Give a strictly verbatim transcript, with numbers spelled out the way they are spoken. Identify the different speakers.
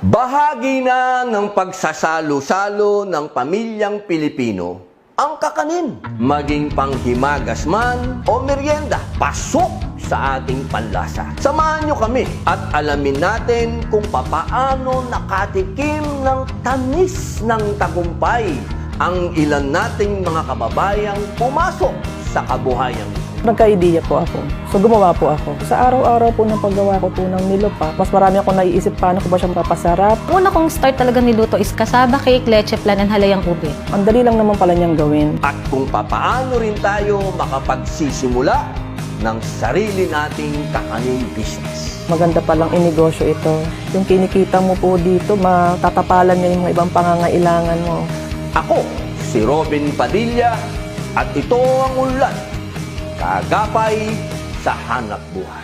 Speaker 1: Bahagi na ng pagsasalo-salo ng pamilyang Pilipino ang kakanin. Maging panghimagas man o merienda, pasok sa ating panlasa. Samahan nyo kami at alamin natin kung papaano nakatikim ng tamis ng tagumpay ang ilan nating mga kababayang pumasok sa kabuhayan.
Speaker 2: Nagka-idea po ako. So gumawa po ako. Sa araw-araw po ng paggawa ko po ng nilupa, mas marami ako naiisip paano ko ba siya mapapasarap.
Speaker 3: Una kong start talaga niluto is kasaba cake, leche flan, and halayang ube.
Speaker 2: Ang dali lang naman pala niyang gawin.
Speaker 1: At kung papaano rin tayo makapagsisimula ng sarili nating kakanin business.
Speaker 2: Maganda palang inegosyo ito. Yung kinikita mo po dito, matatapalan niya yung mga ibang pangangailangan mo.
Speaker 1: Ako, si Robin Padilla, at ito ang ulat, Kaagapay sa Hanap Buhay.